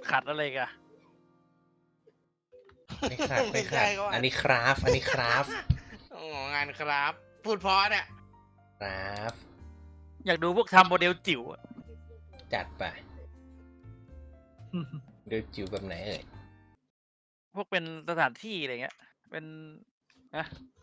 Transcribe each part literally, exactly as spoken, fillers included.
ขัดอะไรกันไม่ขัดไม่ขัดอันนี้คราฟอันนี้คราฟอ๋องานครับพูดเพราะเนี่ยคราฟอยากดูพวกทำโมเดลจิ๋วจัดไปโมเดลจิ๋วแบบไหนเอ่ยพวกเป็นสถานที่อะไรเงี้ยเป็นนะ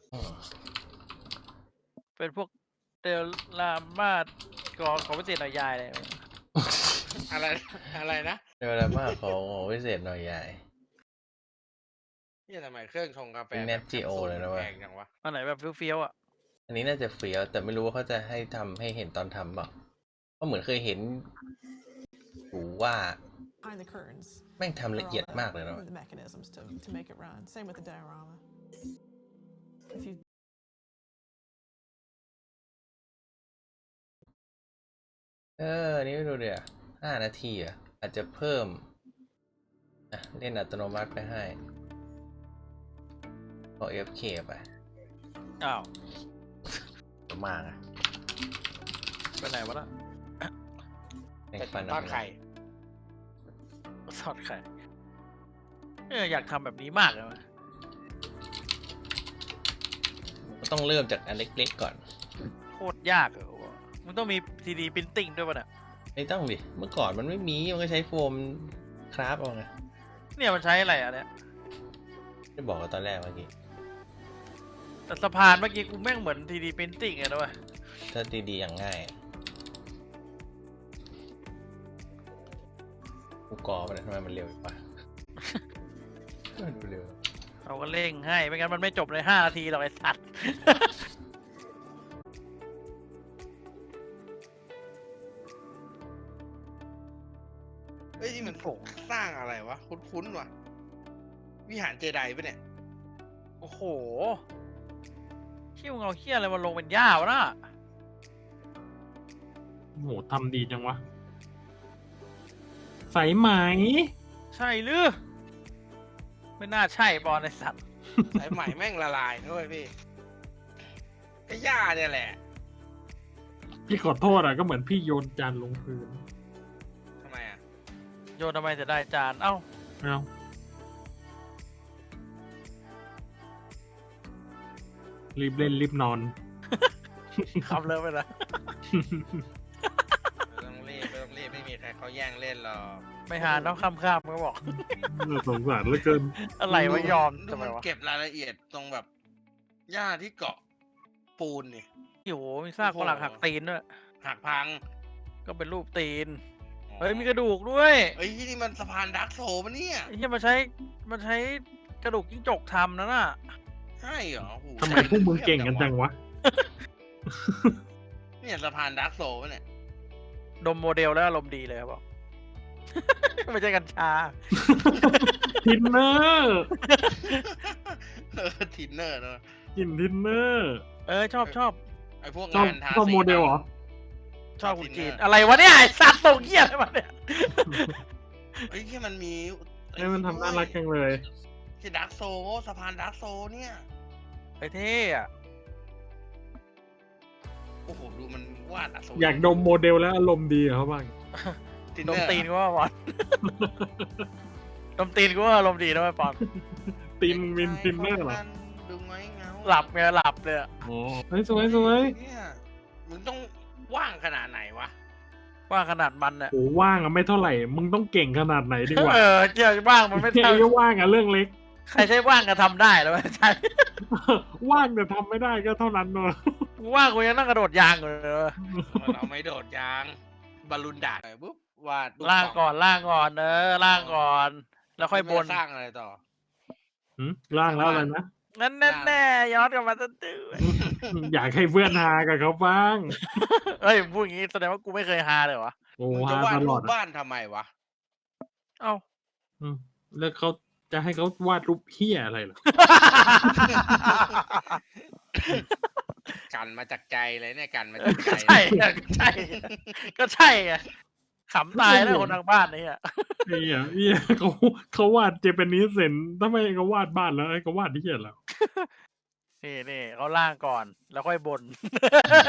เป็นพวกเดลลามาดกอของพิเศษหน่อยยายเลยอะไรอะไรนะเดลลามาของพิเศษหน่อยยายนี่ทำไมเครื่องชงกาแฟเนจิโอเลยนะวะแพงจังวะอันไหนแบบเฟี้ยวๆอ่ะอันนี้น่าจะเฟี้ยวแต่ไม่รู้ว่าเขาจะให้ทำให้เห็นตอนทำเปล่าเพราะเหมือนเคยเห็นหูว่าแม่งทำละเอียดมากเลยนะเออนี่ไม่ดูเดี๋ยวห้านาทีอ่ะอาจจะเพิ่มอ่ะเล่นอัตโนมัติไปให้พอ เอฟ เค ไปอ้าวมากอ่ะไปไหนวะล่ะแต่ทอดไข่ทอดไข่เอออยากทำแบบนี้มากเลยมั้ยต้องเริ่มจากอันเล็กๆก่อนโคตรยากเลยมันต้องมี ทรี ดี Printing ด้วยป่ะเนี่ยไม่ต้องดิเมื่อก่อนมันไม่มีมันก็ใช้โฟมคราฟเอาไงเนี่ยมันใช้อะไรอ่ะเนี่ยได้บอกกันตอนแรกเมื่อกี้แต่สะพานเมื่อกี้กูแม่งเหมือน ทรี ดี Printing เลยนะเว้ยถ้าดีๆอย่างง่ายกูกอไปทำไมมันเร็วปะมันเร็วเราก็เร่งให้ไม่งั้นมันไม่จบในห้านาทีหรอกไอ้สัตว์เฮ้ยนี่มันโผล่สร้างอะไรวะคุ้นๆวะวิหารเจไดปะเนี่ยโอ้โหขี้มึงเอาเขี้ยอะไรมาลงเป็นหญ้าวะน่ะโอ้โหทำดีจังวะใส่ไหมใช่หรือไม่น่าใช่บอลไอ้สัตว์สายใหม่แม่งละลายด้วยพี่ก็หญ้าเนี่ยแหละพี่ขอโทษอ่ะก็เหมือนพี่โยนจานลงพื้นทำไมอ่ะโยนทำไมจะได้จานเอ้าเอ้ารีบเล่นรีบนอนขับเลยไปละไม่ต้องรีบไม่ต้องรีบไม่มีใครเขาแย่งเล่นหรอกไม่หาน้องข้ามข้ามก็บอกสงสารเหลือเกินอะไรวะยอมทำไมวะเก็บรายละเอียดตรงแบบหญ้าที่เกาะปูนนี่โอ้โหมีซากปลักหักตีนด้วยหักพังก็เป็นรูปตีนเฮ้ยมีกระดูกด้วยเฮ้ยนี่มันสะพานดักโซปะเนี่ยไอ้ที่มาใช้มันใช้กระดูกจิ้งจกทำนะน่ะใช่เหรอทำไมพวกมึงเก่งกันจังวะเนี่ยสะพานดักโซปะเนี่ยดมโมเดลแล้วอารมณ์ดีเลยครับบอกไม่ใช่กัญชาทินเนอร์เออทินเนอร์เนอะกินทินเนอร์เออชอบชอบไอพวกงานทาสีชอบโมเดลเหรอชอบคุณจีนอะไรวะเนี่ยไอสัตว์ส่งเหี้ยอะไรมาเนี่ยไอ้ที่มันมีไอ้มันทำน่ารักจังเลยที่ดักโซสะพานดักโซเนี่ยไอเท่อะโอ้โหดูมันวาดอยากดมโมเดลแล้วอารมณ์ดีเขาบ้างดมตีนก็ว่าบอลดมตีนก็ว่าอารมณ์ดีนะไอ้ปอนตีนมินทินเนอร์เหรอดูไงเงาหลับไงหลับเลยโอ้ยสวยสวยเนี่ยมึงต้องว่างขนาดไหนวะว่างขนาดมันเนี่ยโอ้ว่างอะไม่เท่าไหร่มึงต้องเก่งขนาดไหนดีกว่าเออเจ้าว่างมันไม่เท่ว่างอะเรื่องเล็กใครใช้ว่างก็ทำได้แล้วใช่ว่างแต่ทำไม่ได้ก็เท่านั้นเนอะว่างกูยังนั่งกระโดดยางอยู่เลยเราไม่โดดยางบอลลูนดาดปุ๊บวาดล่างก่อนล่างก่อนเออล่างก่อนแล้วค่อยบนสร้างอะไรต่อล่างแล้วอะไรนะนั่นแน่แน่ย้อนกลับมาตั้งแต่อยากให้เพื่อนฮากับเขาบ้างเฮ้ยพูดอย่างนี้แสดงว่ากูไม่เคยฮาเลยวะโอ้ฮาตลอดบ้านทำไมวะเอ้าแล้วเขาจะให้เขาวาดรูปเหี้ยอะไรหรอกันมาจากใจเลยเนี่ยกันมาจากใจใช่ใช่ก็ใช่ไงขำตายแล้วคนทางบ้านนี่อ่ะเฮียเฮียเขาเขาวาดเจแปนนิสเซนทำไมเขาวาดบ้านแล้วไอ้เขาวาดที่เหี้ยแล้วนี่นี่เขาล่างก่อนแล้วค่อยบน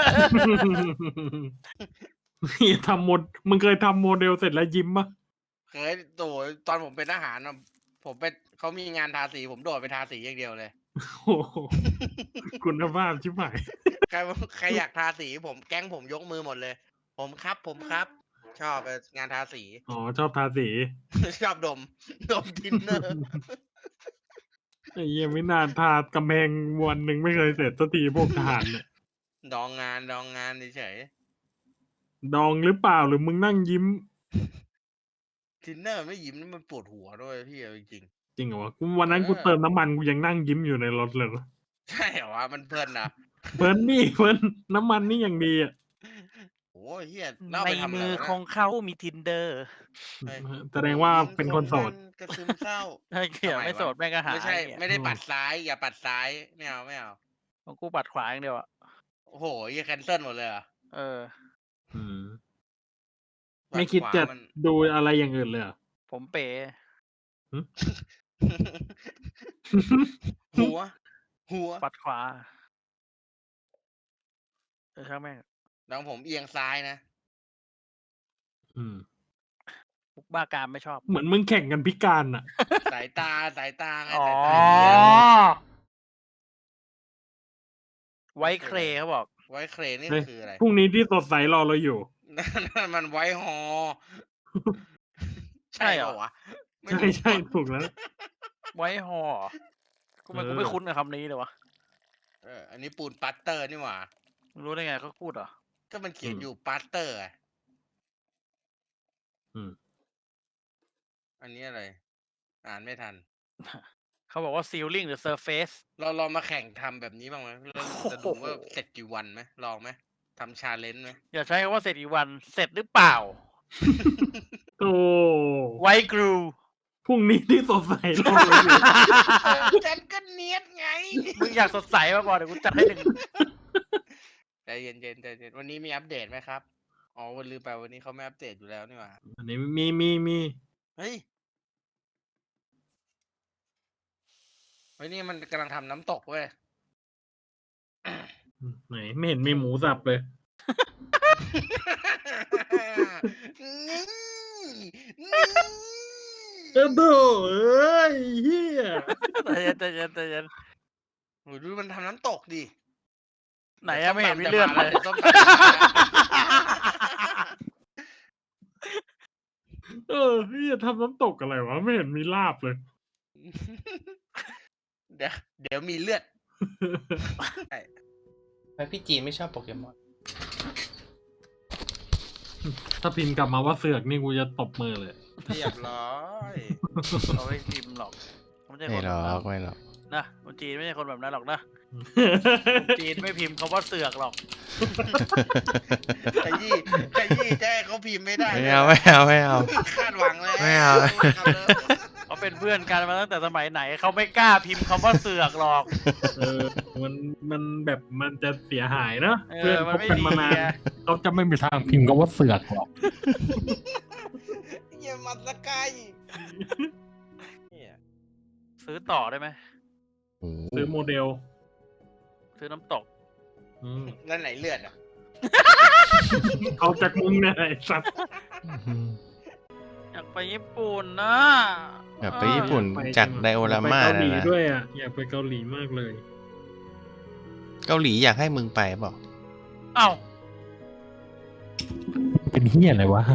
นี่ทำโมดมึงเคยทำโมเดลเสร็จแล้วยิ้มปะเคยโดดตอนผมเป็นทหารอะผมไปเขามีงานทาสีผมโดดไปทาสีอย่างเดียวเลยโอ้โหคุณภาพชิบหายใครใครอยากทาสีผมแก๊งผมยกมือหมดเลย ผมครับผมครับ ชอบงานทาสีอ๋อชอบทาสีชอบดม ดมทินเนอร์ไอ้เหี้ยังไม่นานทากำแพงวันหนึ่งไม่เคยเสร็จสักทีพวกทหารเนี่ยดองงานดองงานเฉยดองหรือเปล่าหรือมึงนั่งยิ้มทินเนอร์ไม่ยิ้มนี่มันปวดหัวด้วยพี่เอาจริงจริงเหรอวะกูวันนั้นกูเติมน้ำมันกูยังนั่งยิ้มอยู่ในรถเลยๆใช่เหรอวะมันเพลินนะเพิ่นนี่เพิ่นน้ำมันนี่อย่างดีอ่ะโอ้ยเฮียเล่าในไปทำอะไรมือวะของเขามีทินเดอร์เฮ้ยแสดงว่าเป็นคนโสดกระซึมเศร้าไอ้เกี่ยวทำไมไม่วะโสดแม่งก็หาไม่ใช่เนี่ยไม่ได้ปัดซ้าย อย่าปัดซ้ายไม่เอาไม่เอาของกูปัดขวาอย่างเดียวอะโอ้โหเฮียแคนเซิลหมดเลยเหรอเอออืมปัไม่คิดขวาจะมันๆดูอะไรอย่างอื่นเลยเหรอผมเป๋หัว หัวปัดขวาเออช่างแม่งน้องผมเอียงซ้ายนะอืมพวกบ้ากามไม่ชอบเหมือนมึงแข่งกันพิการอ่ะสายตาสายตาไงอ๋อสายตาเอียงไว้เครเขาบอกไว้เครนนี่เฮ้ยคืออะไรพรุ่งนี้ที่สดใสรอเราอยู่นั่นมันไว้ฮอใช่เหรอปะวะไม่ใช่รู้ใช่ถูกแล้วไว้หอกูไม่เออกูไม่คุ้นกับคำนี้เลยวะเอออันนี้ปูนปัตเตอร์นี่หว่ามึงรู้ได้ไงเขาพูดเหรอก็มันเขียนอยู่ปัตเตอร์อะอืมอันนี้อะไร อ่านไม่ทันเขาบอกว่า ceiling หรือ surface เราลองมาแข่งทำแบบนี้บ้างไหมเราจะดูว่าโอ้โหเสร็จกี่วันไหมลองไหมทำชาเลนจ์ไหมอย่าใช้คำว่าเสร็จอีกวันเสร็จหรือเปล่าโอ้ไว้กรูพรุ่งนี้ที่สดใสรอเราอยู่ฉันก็เนียดไงมึงอยากสดใสมาบอกเดี๋ยวกูจัดให้หนึ่งใจเย็นๆใจเย็นวันนี้มีอัปเดตไหมครับ อ๋อวันลืมไปวันนี้เขาไม่อัปเดตอยู่แล้วนี่หว่าอันนี้มีมีมีเฮ้ยเฮ้ยนี่มันกำลังทำน้ำตกเว้ยไหนไม่เห็นมีหมูสับเลยนี่นี่เออโธ่เอ้ยเฮียใจเย็นใจเย็นใจเย็นโหดูมันทำน้ำตกดิไหนอะไม่เห็นมีเลือดเลยดี๋วส้มตำจะมาแล้วเออเฮียทำน้ำตกอะไรวะ ไม่เห็นมีลาบเลยเดี๋ยวเดี๋ยวมีเลือดทำไมพี่จีนไม่ชอบโปเกมอนถ้าพิมพ์กลับมาว่าเสือกนี่กูจะตบมือเลยเรียบร้อยเราไม่พิมพ์หรอกไม่ใช่คไม่นหรแบบอนั้กนไม่หรอกนะคนจีนไม่ใช่คนแบบนั้นหรอกนะคนจีนไม่พิมพ์คำว่าเสือกหรอกขยี้ขยี้แจ้เขาพิมพ์ไม่ได้ไม่เอาไม่เอาไม่เอาคาดหวังแล้วไม่เอาเขาเป็นเพื่อนกันมาตั้งแต่สมัยไหนเขาไม่กล้าพิมพ์คำว่าเสือกหรอกเออ มันมันแบบมันจะเสียหายเนอะเอเพื่อนอมันคบไม่กันดีมานานไงเขาจะไม่มีทางพิมพ์ก็ว่าเสือกหรอกเยี่ยมัสกายเนี่ยซื้อต่อได้ไหมโอ้โหซื้อโมเดลซื้อน้ำตกอืมนั่นไหนเลือดอ่ะเอาจากมึงเนี่ยไอ้สัตว์อยากไปญี่ปุ่นนะแบบไปญี่ปุ่นไปจากไดโอราม่าอยกไปเกาหลีนะนะด้วยอ่ะ อยากไปเกาหลีมากเลยเกาหลีอยากให้มึงไปเปล่าเอ้าเป็นเฮียอะไรวะ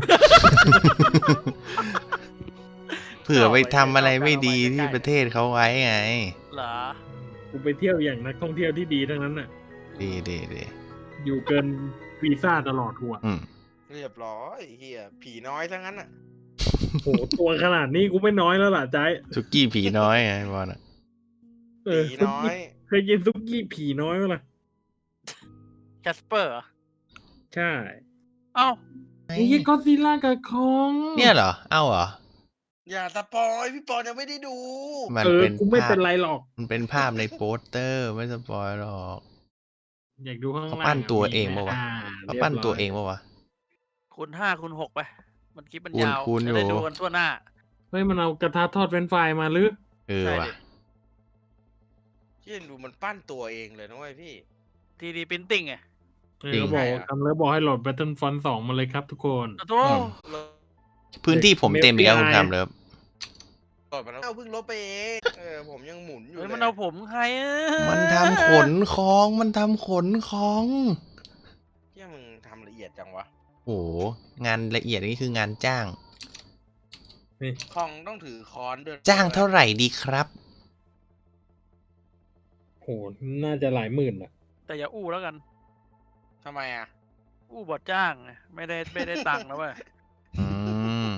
เผื่อไปทำอะไรไม่ดีที่ประเทศเขาไว้ไงเหรอกูไปเที่ยวอย่างนักท่องเที่ยวที่ดีทั้งนั้นน่ะดีดีดีอยู่เกินวีซ่าตลอดหัวอืมเรียบร้อยเฮียผีน้อยทั้งนั้นอ่ะโหตัวขนาดนี้กูไม่น้อยแล้วล่ะใจายสุกี้ผีน้อยไงบอลอ่ะเออผีน้อยเคยกินซุกี้ผีน้อยไหมล่ะแคสเปอร์เหรอใช่เอ้าไอ้ยี่ก็ซีล่ากับคองเนี่ยเหรอ เอ้าเหรออย่าสปอยพี่ปอนยังไม่ได้ดูมันเออเป็นกูไม่ภาเป็พนไรหรอกมันเป็นภาพในโปสเตอร์ไม่สปอยหรอกอยากดูข้างล่างเขาปั้นตัวเองปะวะอ่เขาปั้นตัวเองปะวะคูณห้าคูณหกไป มันคลิปมันคูณยาวคูณจะได้อยู่ดูกันทั่วหน้าเฮ้ยมันเอากระทะทอดเฟรนช์ฟรายมาหรือเออใช่ว่ะดิที่ดูมันปั้นตัวเองเลยนะเว้ยพี่ทีดีพิมพ์ติ้งไงเออเขาบอกใช่อะทำแล้วบอกให้โหลด Battlefront สองมาเลยครับทุกคนโอ้โหอืมพื้นที่ผมเต็มอีกแล้วคุณคำเลิฟกดมาแล้วเอาเพิ่งลบไปเองเออผมยังหมุนอยู่เฮ้ยเลยมันเอาผมใครอะมันทำขนของมันทำขนของเฮียมึงทำละเอียดจังวะโอ้โหงานละเอียดนี่คืองานจ้างคองต้องถือค้อนด้วยจ้างเท่าไหร่ดีครับโหน่าจะหลายหมื่นอ่ะแต่อย่าอู้แล้วกันทำไมอ่ะอู้บอดจ้างไงไม่ได้ไม่ได้ตังค์นะเว้ยอืม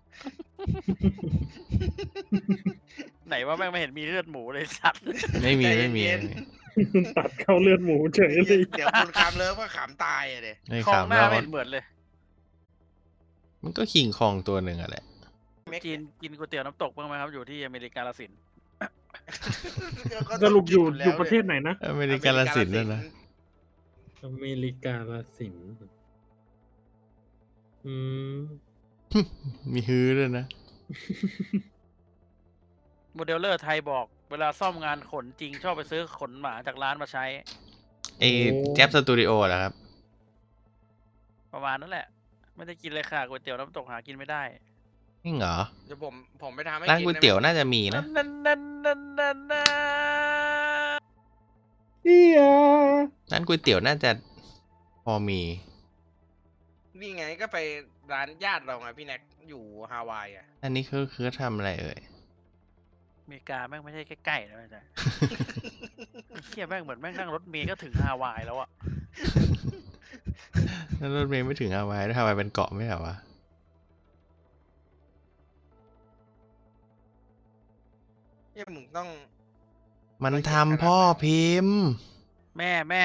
ไหนว่าแม่งไม่เห็นมีเลือดหมูเลยสัตว์ไม่มีใจไม่มีเย็นตัดเข้าเลือดหมูเฉยเลยเดี๋ยวคุณคำเลิฟก็ขำตายอ่ะเด็ไม่คลองขำหน้าแล้วไม่เห็นเหมือนเลยมันก็คิงคองตัวหนึ่งอะแหละกินกินก๋วยเตี๋ยวน้ำตกบ้างไหมครับอยู่ที่อเมริกาลสินธุ์สรุปอยู่อยู่ประเทศไหนนะอเมริกาลสินธุ์ด้วยนะอเมริกาลสินธุ์อืมมีฮือด้วยนะโมเดลเลอร์ไทยบอก เวลาซ่อมงานขนจริงชอบไปซื้อขนหมาจากร้านมาใช้เอแจ๊บสตูดิโอเหรอครับประมาณนั้นแหละ ไม่ได้กินเลยค่ะก๋วยเตี๋ยวน้ำตกหากินไม่ได้นี่เหรอเดี๋ยวผมผมไปทำให้ร้านกินก๋วยได้ไหมเตี๋ยวน่าจะมีนะนั่นนั่นนั่นนั่นนั่นเอียร้านก๋วยเตี๋ยวน่าจะพอมีนี่ไงก็ไปร้านญาติเราไงพี่แน็กอยู่ฮาวายอ่ะอันนี้คือคือทำอะไรเอ่ยอเมริกาแม่งไม่ใช่ใกล้ๆนะไม่ใช่ ไอ้เฮียแม่งเหมือนแม่งนั่งรถเมล์ก็ถึงฮาวายแล้วอะแล้วรถเมล์ไม่ถึงฮาวายด้วยฮาวายเป็นเกาะไม่ใช่เหรอวะเนี่ยมึงต้องมันทำพ่อพิมพ์แม่แม่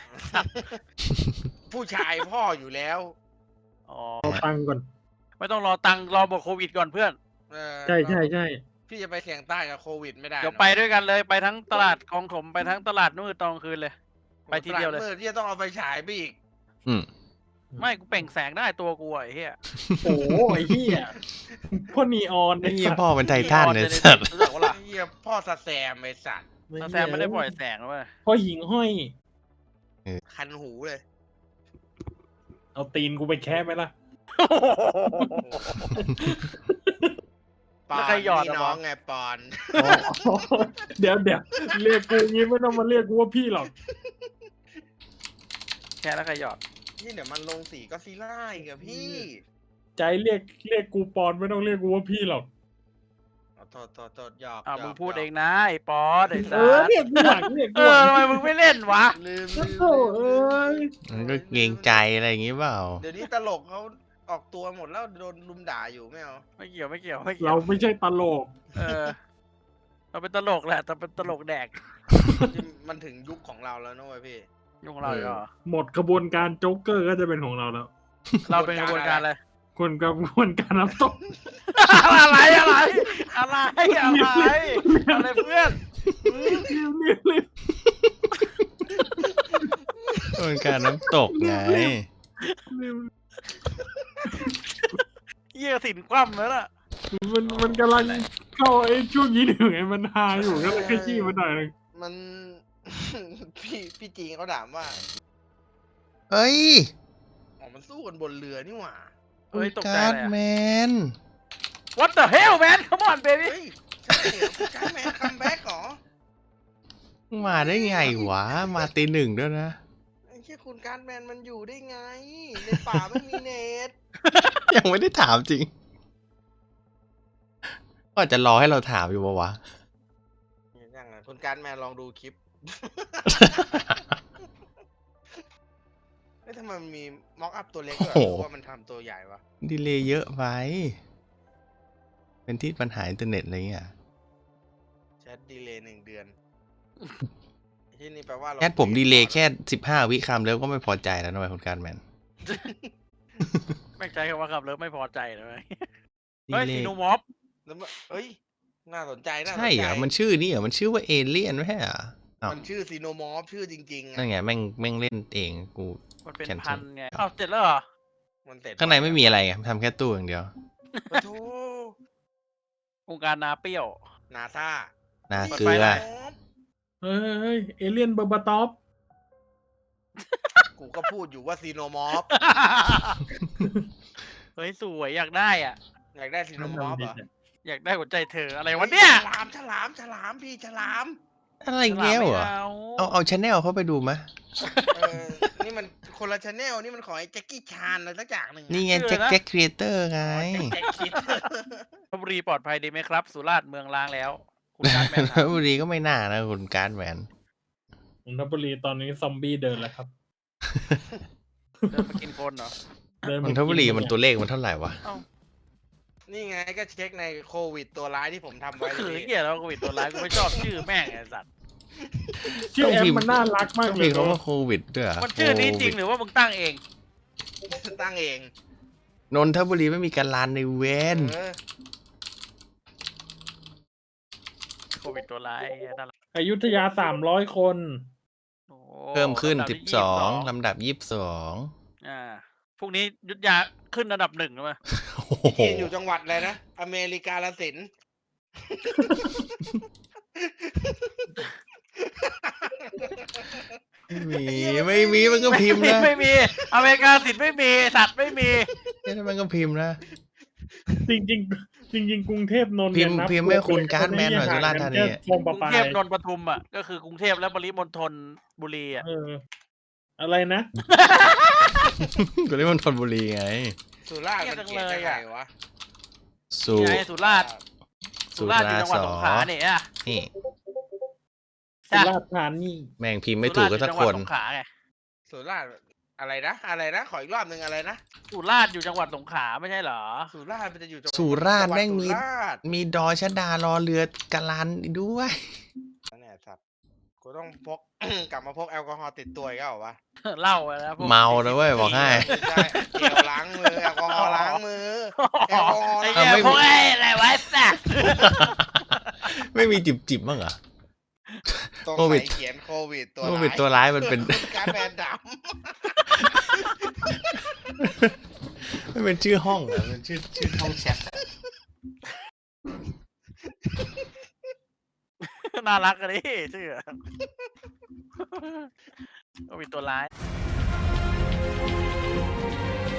ผู้ชายพ่ออยู่แล้วอ๋อเอาตังค์ก่อนไม่ต้องรอตังค์รอหมดโควิดก่อนเพื่อนเออใช่ใช่ใช่พี่จะไปเสี่ยงใต้กับโควิดไม่ได้เดี๋ยวหรอกไปด้วยกันเลยไปทั้งตลาดคลองถมไปทั้งตลาดนู่นตอนกลางคืนเลย ไปทีเดียวเลยตามืดที่จะต้องเอาไปฉายไปอีกอืมไม่กูเปล่งแสงได้ตัวกูอะไอ้เหี้ยโอ้โหไอ้เหี้ยพ่อนีออนไอ้ไอ้เหี้ยสัตว์พ่อเป็นไททันเนี่ยสัตว์รู้จักว่าล่ะเฮียพ่อสแซมไอสัตว์ตาแซมไม่ได้ปล่อยแสงนะเว้ยพ่อหิงห้อยคันหูเลยเอาตีนกูไปแคะไหมล่ะปอนแล้วใครหยอดพี่อะน้องวะไงปอนเดี๋ยวเดี๋ยวเรียกกูงี้ไม่ต้องมาเรียกกูว่าพี่หรอกแค่แล้วใครหยอดนี่เดี๋ยวมันลงสีก็ซีล่าอีกอะพี่ใจเรียกเรียกกูปอนไม่ต้องเรียกกูว่าพี่หรอกเอาโทษโทษโทษหยอกอ่าหยมึอง กพูดหยกเองนะไอ้ป๊อดไอ้เอสัอสเรียกกูหลังเรียกเอกูหอลังทำไมมึงไม่เล่นวะลืมโอ้ลืมโหเอ้ยมันก็เกรงใจอะไรอย่างงี้เปล่าเดี๋ยวนี้ตลกเขาออกตัวหมดแล้วโดนลุมด่าอยู่ไม่เอาไม่เกี่ยวไม่เกี่ยวไม่เกี่ยเราวไม่ใช่ตลกเออเราเป็นตลกแหละแต่เป็นตลกแดกมันถึงยุคของเราแล้วนะเว้ยพี่ยุ่งเราอีกเหรอหมดกระบวนการโจ๊กเกอร์ก็จะเป็นของเราแล้วเราเป็นกระบวนการอะไรคนกระบวนการน้ำตกอะไรอะไรอะไรอะไรอะไรเพื่อนเรียบเรียบเรียบเป็นการน้ำตกไงเรียบเยี่ยสินคว่ำแล้วล่ะมันมันกำลังเข้าไอ้ช่วงยี่หนึ่งไอ้มันฮาอยู่ก็เลยขยี้มันหน่อยนึงมัน พี่พี่จีนเขาถามว่าเอ้ยอ๋อมันสู้กันบนเรือนี่หว่าเฮ้ยตกใจการ์ดเลยแมอะน What the hell man come on baby เฮ้ยใช่เหรอคุณการ์ดแมนคัมแบ็กเหรอมาได้ไงวะ มาตีหนึ่งด้วยนะไอ้เชี่ยคุณการ์ดแมนมันอยู่ได้ไง ในป่าไม่มีเน็ตยังไม่ได้ถามจริง ก็อาจจะรอให้เราถามอยู่ปะวะยังไงคุณการ์ดแมนลองดูคลิป เฮ้ยทำไมมันมีม็อกอัพตัวเล็กด้วยโอ้หโหรือว่ามันทำตัวใหญ่วะดีเลย์เยอะไป เป็นที่ปัญหาอินเทอร์เน็ตอะไรเงี้ยแชทดีเลย์หนึ่งเดือน ที่นี่แปลว่าเราแค่ผมดีเลย์แค่สิบห้าวิคำแล้วก็ไม่พอใจแล้วนะเว้ยคุณการแมนไม่ใจคำว่าขับเลิฟไม่พอใจเลยดีเฮ้ยเลซีย์โนมอฟแล้วมันเอ้ย น่าสนใจน่าสนใจใช่เหรอ มันชื่อนี่เหรอ มันชื่อว่าเอเลี่ยนไม่ใช่เหรออ้าวมันชื่อซีโนมอฟชื่อจริงๆนั่นอะไงแม่งแม่งเล่นเองกูมันเป็น cancel พันไงเอ้าเสร็จแล้วเหรอมันเสร็จข้างในไม่มีอะไรไงทำแค่ตู้อย่างเดียวโอ้โธ่องค์การนาเปรี้ยวนาซานาเปิดเกลืไฟอได้เฮ้ยเฮ้ยเอเลี่ยนเบอร์บาตอฟกูก็พูดอยู่ว่าซีโนมอฟเฮ้ยสวยอยากได้อ่ะอยากได้ซีโนมอฟเหรออยากได้หัวใจเธออะไรวะเนี่ยฉลามฉลามฉลามพี่ฉลามอะไรเงี้ยเหรอฉลามเอาไม่เอาชแนลเขาไปดูมะเออ นี่มันคนละชแนลนี่มันของไอ้แจ็คกี้ชานอะไรสักอย่างหนึ่งอะนี่ไงแจ็คแจ็คครีเอเตอร์ไงแจ็คคิดลพบุรีปลอดภัยดีไหมครับ สุราษฎร์เมืองล้างแล้ว คุณการแมนลพบุรีก็ไม่น่านะคุณการ์ดแหวนนนทบุรีตอนนี้ซอมบี้เดินแล้วครับเดินมากินคนเหรอเดินนมานทบุรีกิมันตัวเลขมันเท่าไหร่วะเอ้านี่ไงก็เช็คในโควิดตัวร้ายที่ผมทำไว้คือนี่เหี้ยแล้วโควิดตัวร้ายกูไม่ชอบชื่อแม่งไอ้สัตว์ชื่อแอต้องพิปมพ์มันน่ารักมากต้องเลมียคำว่าโควิดด้วยเหรอมันชื่อนี้จริงหรือว่ามึงตั้งเองตั้งเองนนทบุรีไม่มีการลานในเวนเออโควิดตัวร้ายไอ้เหี้ยนั่นแหละอยุธยาสามร้อยคนโอ้เพิ่มขึ้นลำดัสิที่บสองยี่สิบลำดับยี่สิบสองอ่าพรุ่งนี้ยุทธยาขึ้นอันดับหนึ่งใช่ไหมโอ้โหพี่จีนอยู่จังหวัดอะไรนะ อเมริกาลสินไม่มีไม่มีมันก็พิมพ์นะไม่มีอเมริกาสิทธิ์ไม่มีสัตว์ไม่มีแค่นั้นมันก็พิมพ์นะจริงจริงๆจริง ๆ กรุงเทพนนท์พิเนี่ยมพ์นับพิมพ์ให้คุณตัวการ์ดแมนหน่อยคสุราษฎร์ธานีห่งกันแค่คลองกประรุงปาเทพยนนท์ปทุมอ่ะก็คือกรุงเทพและปริมณฑลบุรีอ่ะเออ อะไรนะก็เรียกมันธนบุรีไงสุราษฎร์มันเขียนยังไงวะสุนี่ไงสุราษฎร์สุสุราษฎร์อยู่ราจังหวัดษฎร์สงขลาเนี่ยอ่ะนี่สุราษฎร์ธานีแม่งพิมพ์ไม่ถูกก็สักสุคราษฎร์นอยู่จังหวัดสงขลาไงสุราษฎร์อะไรนะ อะไรนะ ขออีกรอบหนึ่งอะไรนะสุราษฎร์อยู่จังหวัดสงขลาไม่ใช่เหรอสุราษฎร์มันจะอยู่จังหวัดสุราษฎร์จังหวัดแม่งมีสุราษฎร์มีดอชดารอเรือกะลันด้วยเนี่ยสัตว์กูต้องพก กลับมาพกแอลกอฮอล์ติดตัวอีกแล้วเหรอวะเล่าไปแล้วพวกเมาแล้วเว้ยบอกให้ไม่ใช่เจลล้างมือแอลกอฮอล์ล้างมือ แอลกอฮอล์ไอ้ล้างเหี้ยไม่มีพวกไอ้อะไรวะไอ้สัตว์ไม่มีจิบจิบบ้างเหรอตรงโควิไหดนเขียนโควิดตัวโควิดตัวร้ายมันเป็นการแบนดไม่เป็นชื่อห้องอะมันชื่อชื่อห้องแชทอะน่ารักกันดิชื่อก็มีตัวร้ายำ